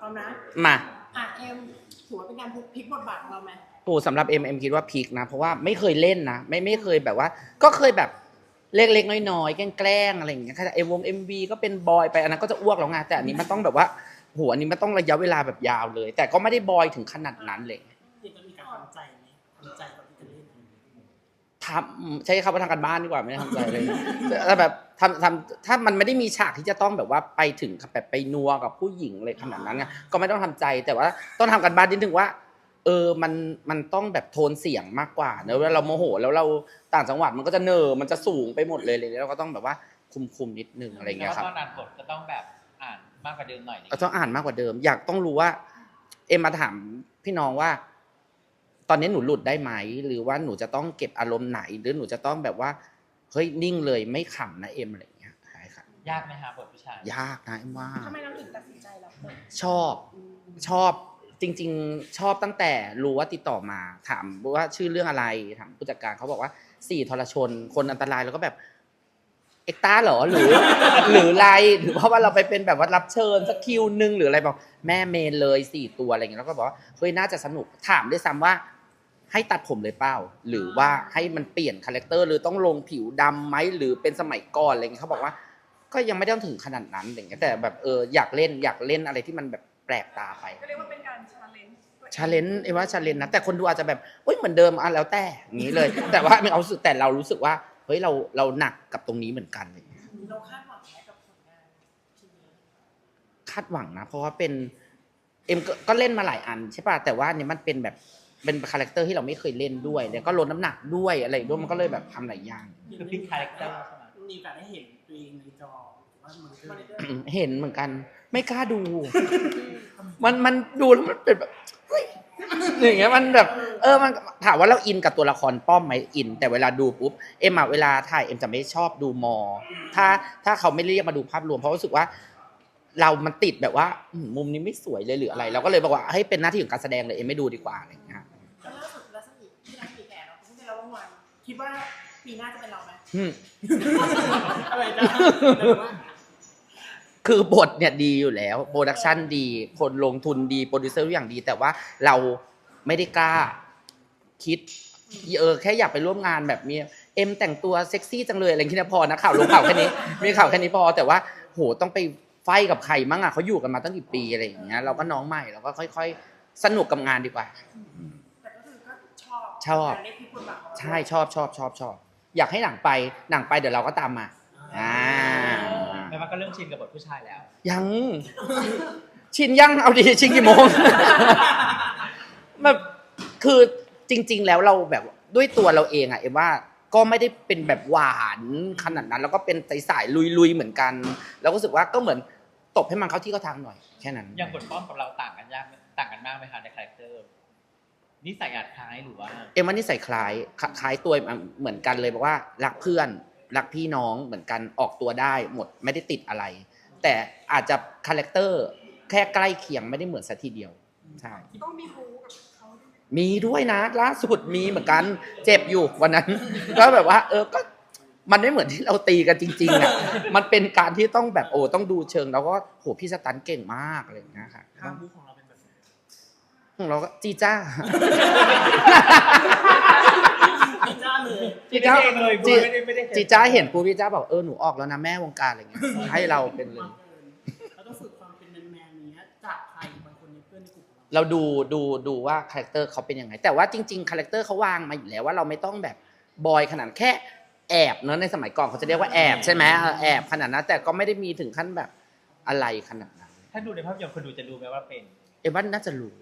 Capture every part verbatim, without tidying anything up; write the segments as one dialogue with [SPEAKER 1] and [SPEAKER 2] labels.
[SPEAKER 1] ร้อมนะ
[SPEAKER 2] มา
[SPEAKER 1] อ่ะเอ็มถือว่าเป็นการพลิกบทบาทของเราไหม
[SPEAKER 2] โอ้สำหรับเอ็มเอ็มคิดว่าพลิกนะเพราะว่าไม่เคยเล่นนะไม่ไม่เคยแบบว่าก็เคยแบบเล็กๆน้อยๆแกล้งๆอะไรอย่างเงี้ยแค่เอ็มวงเอ็มวีก็เป็นบอยไปอันนั้นก็จะอ้วกแล้วไงแต่อันนี้มันต้องแบบว่าโหอันนี้มันต้องระยะเวลาแบบยาวเลย แต่ก็ไม่ได้บอยถึงขนาดนั้นเลย
[SPEAKER 1] ที่จะมีการทำใจไหมทำใจก่อนที่จะเล่น
[SPEAKER 2] ทำใช้คำว่าทำการบ้านดีกว่าไม่ได้ทำใจเลยแต่แบบทำทำถ้ามันไม่ได้มีฉากที่จะต้องแบบว่าไปถึงแบบไปนัวกับผู้หญิงเลยขนาดนั้นไงก็ไม่ต้องทำใจแต่ว่าต้องทำการบ้านนิดนึงว่าเออมันมันต้องแบบโทนเสียงมากกว่าเนอะเวลาเราโมโหแล้วเราต่างจังหวัดมันก็จะเนอมันจะสูงไปหมดเลยเลยเราก็ต้องแบบว่าคุมคุมนิดนึงอะไรเงี้ยครับ
[SPEAKER 3] แล้วตอนอ่านบทก็ต้องแบบอ่านมากกว่าเดิมหน่อย
[SPEAKER 2] ต้องอ่านมากกว่าเดิมอยากต้องรู้ว่าเอ็มมาถามพี่น้องว่าตอนนี้หนูหลุดได้ไหมหรือว่าหนูจะต้องเก็บอารมณ์ไหนหรือหนูจะต้องแบบว่าเฮ้ยนิ่งเลยไม่ขำนะเอ็มอะไรอย่างเงี้ยใช่ค่ะ
[SPEAKER 3] ยากไหมฮะบทผู้ชาย
[SPEAKER 2] ยากนะเอ็มว่า
[SPEAKER 1] ทำไมเราถึงตัดสินใจรับ
[SPEAKER 2] ชอบชอบจริงๆชอบตั้งแต่รู้ว่าติดต่อมาถามว่าชื่อเรื่องอะไรถามผู้จัดการเขาบอกว่าสี่ทรชนคนอันตรายแล้วก็แบบเอ็กต้าเหรอหรือหรือไรหรือเพราะว่าเราไปเป็นแบบว่ารับเชิญสักคิวนึงหรืออะไรบอกแม่เมนเลยสี่ตัวอะไรอย่างเงี้ยแล้วก็บอกว่าเฮ้ยน่าจะสนุกถามด้วยซ้ำว่าให้ตัดผมเลยเปล่าหรือว่าให้มันเปลี่ยนคาแรคเตอร์หรือต้องลงผิวดำไหมหรือเป็นสมัยก่อนอะไรเงี้ยเขาบอกว่าก็ยังไม่ต้องถึงขนาดนั้นอย่างเงี้ยแต่แบบเอออยากเล่นอยากเล่นอะไรที่มันแบบแปลกตาไป
[SPEAKER 1] ก็เรียกว่าเป็นการชาเลนจ์
[SPEAKER 2] ชาเลนจ์ไอ้ว่าชาเลนจ์นะแต่คนดูอาจจะแบบเฮ้ยเหมือนเดิมอ่ะแล้วแต่อย่างนี้เลย แต่ว่ามีความรู้สึกแต่เรารู้สึกว่าเฮ้ยเราเราหนักกับตรงนี้เหมือนกันเลย
[SPEAKER 1] เราคาดหวังไหมกับผลงานทีนี้
[SPEAKER 2] คาดหวังนะเพราะว่าเป็นเอ็มก็เล่นมาหลายอันใช่ป่ะแต่ว่าเนี่ยมันเป็นแบบเป็นคาแรคเตอร์ที่เราไม่เคยเล่นด้วยแล้วก็ลดน้ำหนักด้วยอะไรด้วยมันก็เลยแบบทำหลายอย่าง
[SPEAKER 3] คือพลิกคาแรคเตอร์ใช่ไหม
[SPEAKER 1] มีโอกาสได้เห็นตัวเองในจอว่ามัน
[SPEAKER 2] เห็นเหมือนกันไม่กล้าดู มันมันดูแล้วมันเป็นแบบอย่างเงี้ยมันแบบเออมันถามว่าเราอินกับตัวละครป้อมไหมอินแต่เวลาดูปุ๊บเอ็มอะเวลาถ่ายเอ็มจะไม่ชอบดูมอถ้าถ้าเขาไม่เรียกมาดูภาพรวมเพราะรู้สึกว่าเรามันติดแบบว่ามุมนี้ไม่สวยเลยหรืออะไรเราก็เลยบอกว่าให้เป็นหน้าที่ของการแสดงเลยเอ็มไม่ดูดีกว่าอะไรอย่างเงี้ย
[SPEAKER 1] แล้วล่าสุดรัศมีที่รัศมีแขกเราเพิ่งได้รับรางวัลคิดว่าปีหน้าจะเป็นเราไหมอะไรจ้ะ
[SPEAKER 2] คือบทเนี่ยดีอยู่แล้วโปรดักชันดีคนลงทุนดีโปรดิวเซอร์ทุกอย่างดีแต่ว่าเราไม่ได้กล้าคิดเออแค่อยากไปร่วมงานแบบมีเอ็มแต่งตัวเซ็กซี่จังเลยอะไรอย่างเงี้ยพอนะข่าวลงข่าวแค่นี้มีข่าวแค่นี้พอแต่ว่าโหต้องไปไฟกับใครมั่งอ่ะเขาอยู่กันมาตั้งกี่ปีอะไรอย่างเงี้ยเราก็น้องใหม่เราก็ค่อยๆสนุกกับงานดีกว่า
[SPEAKER 1] แต่ก็คือก็ชอบ
[SPEAKER 2] ชอบใช่ชอบชอบชอบชอบอยากให้หนังไปหนังไปเดี๋ยวเราก็ตามมาอ่า
[SPEAKER 3] แม้ว่าก็เริ่มชินกับบทผู้ชายแล้ว
[SPEAKER 2] ยังชินยังเอาดีชินกี่โมงแบบคือจริงๆแล้วเราแบบด้วยตัวเราเองอะเอ็มว่าก็ไม่ได้เป็นแบบหวานขนาดนั้นแล้วก็เป็นสายๆลุยๆเหมือนกันแล้วก็รู้สึกว่าก็เหมือนตบให้มันเข้าที่เข้าทางหน่อยแค่นั้น
[SPEAKER 3] อย่างบทป้อมกับเราต่างกันยากต่างกันมากไหมคะในคาแรคเตอร์นิสัยอาจคล้ายหรือว่า
[SPEAKER 2] เอ็มว่านิสัยคล้ายคล้ายตัวเหมือนกันเลยบอกว่ารักเพื่อนรักพี่น้องเหมือนกันออกตัวได้หมดไม่ได้ติดอะไรแต่อาจจะคาแรคเตอร์แค่ใกล้เคียงไม่ได้เหมือนซะทีเดียวใช่
[SPEAKER 1] ต้องมีบู๊กับเขา
[SPEAKER 2] มีด้วยนะล่าสุดมีเหมือนกันเจ็บอยู่วันนั้นก็แบบว่าเออก็มันไม่เหมือนที่เราตีกันจริงๆอ่ะมันเป็นการที่ต้องแบบโอ้ต้องดูเชิงแล้วก็โหพี่สตันเก่งมากอะไรอย่างเงี้ยค่ะ
[SPEAKER 1] ทางบู๊ของเราเป็นแบบ
[SPEAKER 2] ของเราก็จีจ้า
[SPEAKER 1] จีจ้าเลย
[SPEAKER 2] จีจ้าเลยจีจ้าเห็นปูพี่จ้าบอกเออหนูออกแล้วนะแม่วงการอะไรเงี้ยให้เราเป็นเลย
[SPEAKER 1] เราต้องฝึกความเป็นแมนๆนี้จากใครบางคนในเพื่อนในกลุ่ม
[SPEAKER 2] เราดูดูดูว่าคาแรคเตอร์เขาเป็นยังไงแต่ว่าจริงๆคาแรคเตอร์เขาวางมาอยู่แล้วว่าเราไม่ต้องแบบบอยขนาดแค่แอบเนอะในสมัยก่อนเขาจะเรียกว่าแอบใช่ไหมแอบขนาดนั้นแต่ก็ไม่ได้มีถึงขั้นแบบอะไรขนาดนั้น
[SPEAKER 3] ถ้าดูในภาพยนตร์คนดูจะรู้ไหมว่าเป็น
[SPEAKER 2] เอ็มวัดน่าจะรู้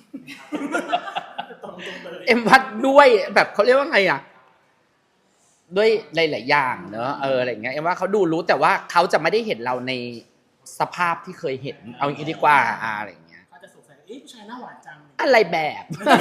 [SPEAKER 2] เอ็มวัดด้วยแบบเขาเรียกว่าไงอ่ะด้วยหลายๆอย่างเนอะเอออะไรอย่างเงี้ยเอ็มว่าเขาดูรู้แต่ว่าเขาจะไม่ได้เห็นเราในสภาพที่เคยเห็นเอาอย่างนี้ดีกว่าอะไรอย่างเงี้ย
[SPEAKER 1] เขาจะสงสัยเอ๊ะผู้ชายหน้าหวานจัง
[SPEAKER 2] อะไรแบบ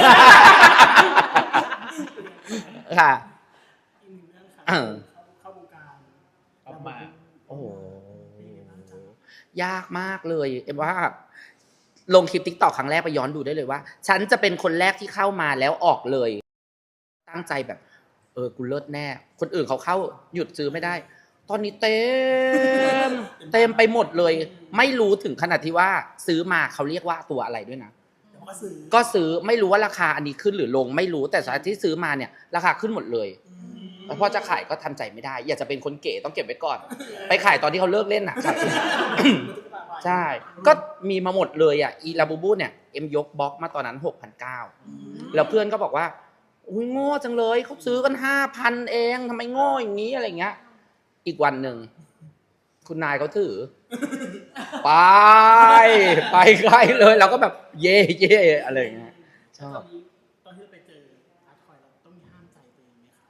[SPEAKER 2] ค่ะ
[SPEAKER 1] เออเข้าวงการ
[SPEAKER 3] เข้ามา
[SPEAKER 2] โอ้โหยากมากเลยเอ็มว่าลงคลิป TikTok ครั้งแรกไปย้อนดูได้เลยว่าฉันจะเป็นคนแรกที่เข้ามาแล้วออกเลยตั้งใจแบบเออกูเลิศแน่คนอื่นเขาเข้าหยุดซื้อไม่ได้ตอนนี้เต็มเเต็มไปหมดเลย ไม่รู้ถึงขนาดที่ว่าซื้อมาเขาเรียกว่าตัวอะไรด้วยนะ
[SPEAKER 1] ก็ซื้อ
[SPEAKER 2] ก็ซื้อไม่รู้ว่าราคาอันนี้ขึ้นหรือลงไม่รู้แต่สายที่ซื้อมาเนี่ยราคาขึ้นหมดเลยแล้วพอจะขายก็ทำใจไม่ได้ อยากจะเป็นคนเก๋ต้องเก็บไว้ก่อน ไปขายตอนที่เขาเลิกเล่นอ่ะ ใช่ ก็มีมาหมดเลยอ่ะอีลาบูบูเนี่ยเอ็มยกบล็อกมาตอนนั้น หกพันเก้าร้อย แล้วเพื่อนก็บอกว่าอุ้ยโง่จังเลยเขาซื้อกัน ห้าพัน เองทำไมโง่อย่างนี้อะไรเงี้ยอีกวันหนึ่งคุณนายเขาถือ ไปไปไกลเลยเราก็แบบเย่เย่อะไรเงี้ยชอบ
[SPEAKER 1] ตอนที่เราไปเจออาร์ตทอยเราต้องมีห้ามใจตัวเองไหมคะ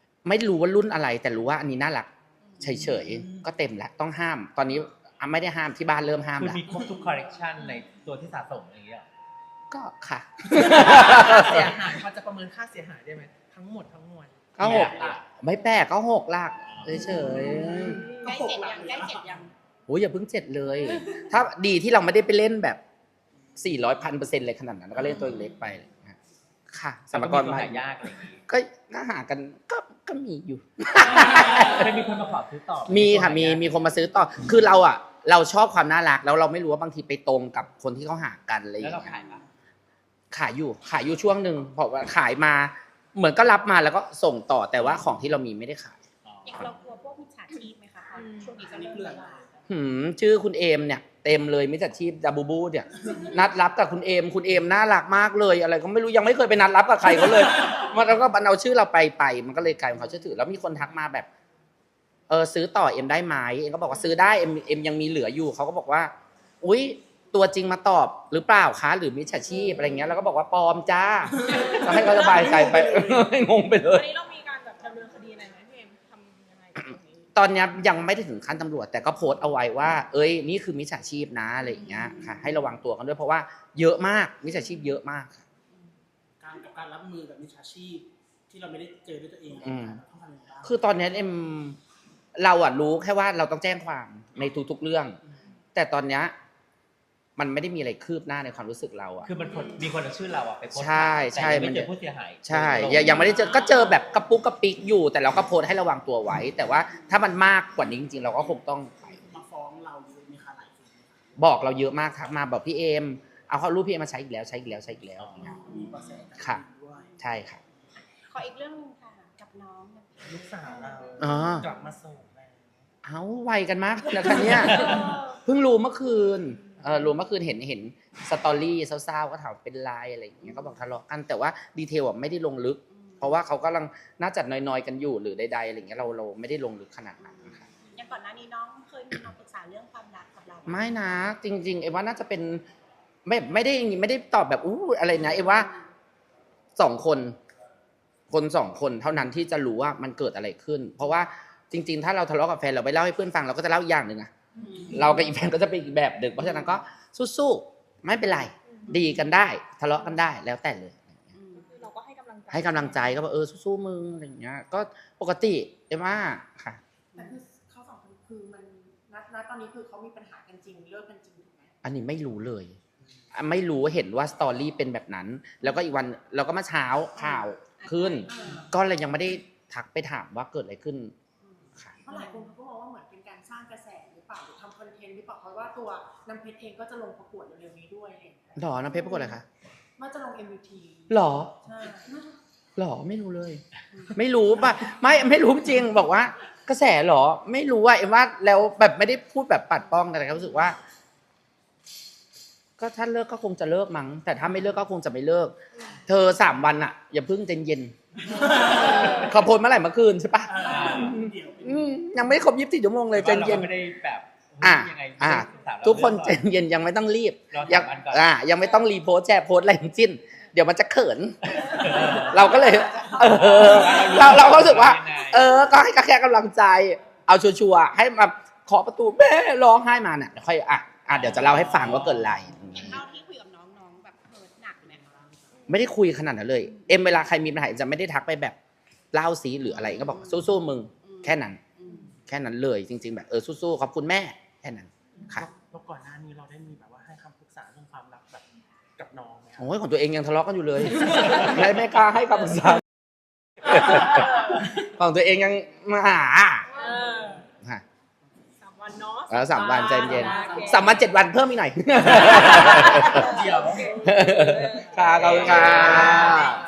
[SPEAKER 2] ไม่รู้ว่ารุ่นอะไรแต่รู้ว่าอันนี้น่ารักเฉยๆก็เต็มแล้วต้องห้าม ตอนนี้อ่ะไม่ได้ห้ามที่บ้านเริ่มห้าม
[SPEAKER 3] คือ
[SPEAKER 2] แล้ว
[SPEAKER 3] มีครบทุกคอลเลกชันในตัวที่สะสมอย่างเงี้ย
[SPEAKER 2] ก็ค่ะ
[SPEAKER 1] เสียหายพอจะประเมินค่าเสียหายได้ไหมทั้งหมดทั้งมวล
[SPEAKER 2] ก็หกไม่แปลกก็หกหลักเฉย
[SPEAKER 4] ใกล้เจ็ดยังใกล้เจ็ดยัง
[SPEAKER 2] ๆโอ้ยอย่าเพิ่งเจ็ดเลย ถ้าดีที่เราไม่ได้ไปเล่นแบบสี่ร้อยพันเปอร์เซ็นต์เลยขนาดนั้นก็เล่นตัวเล็กไปเลยนะค่ะสมกร
[SPEAKER 3] มา
[SPEAKER 2] มา
[SPEAKER 3] หายากอะไรอย่างงี้
[SPEAKER 2] ก็น่าหากันก็ก็มีอยู่
[SPEAKER 3] ไม่มีคนมาขอซื้อต่อ
[SPEAKER 2] มีค่ะมีมีคนมาซื้อต่อคือเราอ่ะ เราชอบความน่ารักแล้วเราไม่รู้ว่าบางทีไปตรงกับคนที่เขาหากันอะไรอย่าง
[SPEAKER 3] แล้วเรา
[SPEAKER 2] เงี้ย
[SPEAKER 3] ขายปะ
[SPEAKER 2] ขายอยู่ขายอยู่ช่วงหนึ่งเพราะว่าขายมาเหมือนก็รับมาแล้วก็ส่งต่อแต่ว่าของที่เรามีไม่ได้ขาย
[SPEAKER 3] อ๋อ
[SPEAKER 4] อย่างเรากลัวพวกมิจฉาชีพไหมคะตอนช่วงนี้ก็เริ่มระบาด
[SPEAKER 2] หืมชื่อคุณเอมเนี่ยเต็มเลยมิจฉาชีพดับบูบูเนี่ยนัดรับกับคุณเอมคุณเอมน่ารักมากเลยอะไรก็ไม่รู้ยังไม่เคยไปนัดรับกับใครเขาเลยมันแล้วก็บันเอาชื่อเราไปไปมันก็เลยกลายเป็นเขาเชื่อถือแล้วมีคนทักมาแบบเออซื้อต่อเอ็มได้ไหมเอ็มก็บอกว่าซื้อได้เอ็มเอ็มยังมีเหลืออยู่เขาก็บอกว่าอุ๊ยตัวจริงมาตอบหรือเปล่าคะหรือมิจฉาชีพอะไรเงี้ยแล้วก็บอกว่าปลอมจ้าก็ให้เขาสบายใจไป งงไปเล
[SPEAKER 4] วั
[SPEAKER 2] ย
[SPEAKER 4] นนี้เรามีการแบบดำเนินคดีอะไรไหมพี่เอ็มทำยังไงกับตรงนี้
[SPEAKER 2] ตอนนี้ยังไม่ได้ถึงขั้นตำรวจแต่ก็โพสต์เอาไว้ว่า เอ้ยนี่คือมิจฉาชีพนะอะไรอย่างเงี้ยค่ะให้ระวังตัวกันด้วยเพราะว่าเยอะมากมิจฉาชีพเยอะมากค่ะ
[SPEAKER 1] การกับการรับมือกับมิจฉาชีพที่เราไม่ได้เจอด้วยตัวเอง
[SPEAKER 2] อืม
[SPEAKER 1] ต้องทำยังไงบ้าง
[SPEAKER 2] คือตอนนี้เอ็มเราอะรู้แค่ว่าเราต้องแจ้งความในทุกๆเรื่อง แต่ตอนเนี้ยมันไม่ได้มีอะไรคืบหน้าในความรู้สึกเราอะ
[SPEAKER 3] คือมันคนมีคนเอาชื่อเราอะไปโพสต์
[SPEAKER 2] ใช่ใช่
[SPEAKER 3] แต่ยัง
[SPEAKER 2] มัน
[SPEAKER 3] ไม่เจอผู้เสียหาย
[SPEAKER 2] ใช่ยังยังไม่ได้เจอก็เจอแบบกระปุกกระปิกอยู่ แต่เราก็โพสต์ให้ระวังตัวไว้ แต่ว่าถ้ามันมากกว่านี้จริงๆเราก็คงต้องไป
[SPEAKER 1] มาฟ้องเราเยอะไหมคะหลายคนไหมคะ
[SPEAKER 2] บอกเราเยอะมากทักมาบอกพี่เอมเอาเขารูปพี่เอมมาใช้อีกแล้วใช้อีกแล้วใช้อีกแล้วอย่างเงี้ย
[SPEAKER 1] มีเบาะแสจาก
[SPEAKER 2] ค่ะ
[SPEAKER 1] ด้วย
[SPEAKER 2] ใช่ค่ะ
[SPEAKER 4] ขออีกเรื่องหนึงค่ะกับน้องเนี่ย
[SPEAKER 1] ลูกสาวเรา
[SPEAKER 2] อ๋อ
[SPEAKER 1] กลับมาส่งแล้ว
[SPEAKER 2] เอาไวกันมากนะคะเนี่ยเพิ่งรู้เมื่อคืนเออรู้เมื่อคืนเห็นเห็นสตอรี่เศร้าๆก็ถามเป็นไลน์อะไรอย่างเงี้ยก็บอกทะเลาะกันแต่ว่าดีเทลอ่ะไม่ได้ลงลึก เพราะว่าเขากำลังน่าจะนอยๆกันอยู่หรือใดๆอะไรอย่างเงี้ยเราเราไม่ได้ลงลึกขนาดนั้นนะคะ
[SPEAKER 4] อย่างก่อนหน้านี้น้องเคยมีมาปรึกษาเรื่องความรักกับเราไหม
[SPEAKER 2] ไม่นะจริงๆไอ้ว่าน่าจะเป็นไม่ไม่ได้ไม่ได้ตอบแบบอู้อะไรนะไอ้ว่าสองคนคนสองคนเท่านั้นที่จะรู้ว่ามันเกิดอะไรขึ้น เพราะว่าจริง ๆ ถ้าเราทะเลาะกับแฟนเราไปเล่าให้เพื่อนฟังเราก็จะเล่าอีกอย่างหนึ่งอะเรากับอีแฟนก็จะเป็นอีกแบบหนึ่งเพราะฉะนั้นก็สู้ๆไม่เป็นไรดีกันได้ ทะเลาะกันได้แล้วแต่เลย
[SPEAKER 4] คือเราก็ให้กำลังใจ
[SPEAKER 2] ให้กำลังใจก็บอกเออสู้ๆมึงอะไรอย่างเงี้ยก็ปกติเอ็มว่าค่ะ
[SPEAKER 1] แต่คือเขาสองคนคือมันนัดนัดตอนนี้คือเขามีปัญหากันจริงเลิกกันจริงถูกไหม
[SPEAKER 2] อันนี้ไม่รู้เลยอ่ะไม่รู้เห็นว่าสตอรี่เป็นแบบนั้น แล้วก็อีกวันเราก็มาเช้าข่าวขึ้น ก็เลยยังไม่ได้ทักไปถามว่าเกิดอะไรขึ้นค่ะ
[SPEAKER 1] เพราะหลายคนเขาก็มองว่าเหมือนเป็นการสร้างกระแสหรือเปล่าหรือทำคอนเทนต์หรือเปล่าเพราะว่าตัวน้ำเพชรเองก็จะลงประกวดเร็วๆนี้ด้วยอะไรอย่างเงี้ย
[SPEAKER 2] หรอน้ำเพชรปรากฏอะไรคะ
[SPEAKER 1] ว่าจะลง เอ็ม วี ที
[SPEAKER 2] หรอ
[SPEAKER 1] ใช่
[SPEAKER 2] หรอไม่รู้เลย ไม่รู้ป่ะไม่ไม่รู้จริงบอกว่ากระแสหรอ ไม่รู้ว่าเอ็มว่าแล้วแบบไม่ได้พูดแบบปัดป้องแต่ก็รู้สึกว่า ก็ถ้าเลิกก็คงจะเลิกมั้งแต่ถ้าไม่เลิกก็คงจะไม่เลิก เธอสามวันอะอย่าเพิ่งใจเย็นเขาโพสต์เมื่อไหร่เมื่อคืนใช่ปะ
[SPEAKER 1] อ่าเดี๋ยวเป็น
[SPEAKER 2] อืมยังไม่ครบยี่สิบสี่ชั่วโมงเลยใจ
[SPEAKER 3] แต่ว่า
[SPEAKER 2] เย็น
[SPEAKER 3] ราก็ไม่ได้แบบ
[SPEAKER 2] อ่ะ
[SPEAKER 3] ยังไง
[SPEAKER 2] อ่ะ
[SPEAKER 3] ศึกษาเรา
[SPEAKER 2] ทุกคน
[SPEAKER 3] เรื่
[SPEAKER 2] ใจ
[SPEAKER 3] องก่อ
[SPEAKER 2] เย็นยังไม่ต้องรีบ
[SPEAKER 3] รอ
[SPEAKER 2] ยั
[SPEAKER 3] สามวันก่อน
[SPEAKER 2] อ่ายังไม่ต้องรีโพสต์แชร์โพสต์อะไรทั้งสิ้น เดี๋ยวมันจะเขิน เราก็เลย เออ เราเราก็รู้สึกว่า เออ ก็ให้แค่กำลังใจ เอาชัวร์ๆให้มาเคาะประตูแม่ร้องไห้มาเนี่ยเดี๋ยวค่อยอ่ะอ่ะเดี๋ยวจะเล่าให้ฟังว่าเกิดอะไร
[SPEAKER 4] อย่างเท่าที่คุยกับน้องน้องแบบเฮิร์ตหนักไหมคะ
[SPEAKER 2] ไม่ได้คุยขนาดนั้นเลย เอ็มเวลาใครมีปัญหาจะไม่ได้ทักไปแบบเล่าสีหรืออะไรก็บอกสู้ๆมึงแค่นั้น
[SPEAKER 4] อืม
[SPEAKER 2] แค่นั้นเลยจริง ๆ แบบเออสู้ๆขอบคุณแม่แค่นั้นค่ะ
[SPEAKER 1] แล้วก่อนหน้านี้เราได้มีแบบว่าให้คำปรึกษาเรื่องความรักแบบกับน้องไหมครับ
[SPEAKER 2] โอ้ยของตัวเองยังทะเลาะกันอยู่เลย ไม่ไม่กล้าให้คำปรึกษาของตัวเองยังมาหา
[SPEAKER 4] เออ
[SPEAKER 2] ฮะ
[SPEAKER 4] สามวันเนาะ
[SPEAKER 2] เออสามวันใจเย็น
[SPEAKER 4] โอเค
[SPEAKER 2] สามวันเจ็ดวันเพิ่มอีกหน่อย
[SPEAKER 3] เดี๋ยว
[SPEAKER 2] ค่ะขอบคุณค่ะ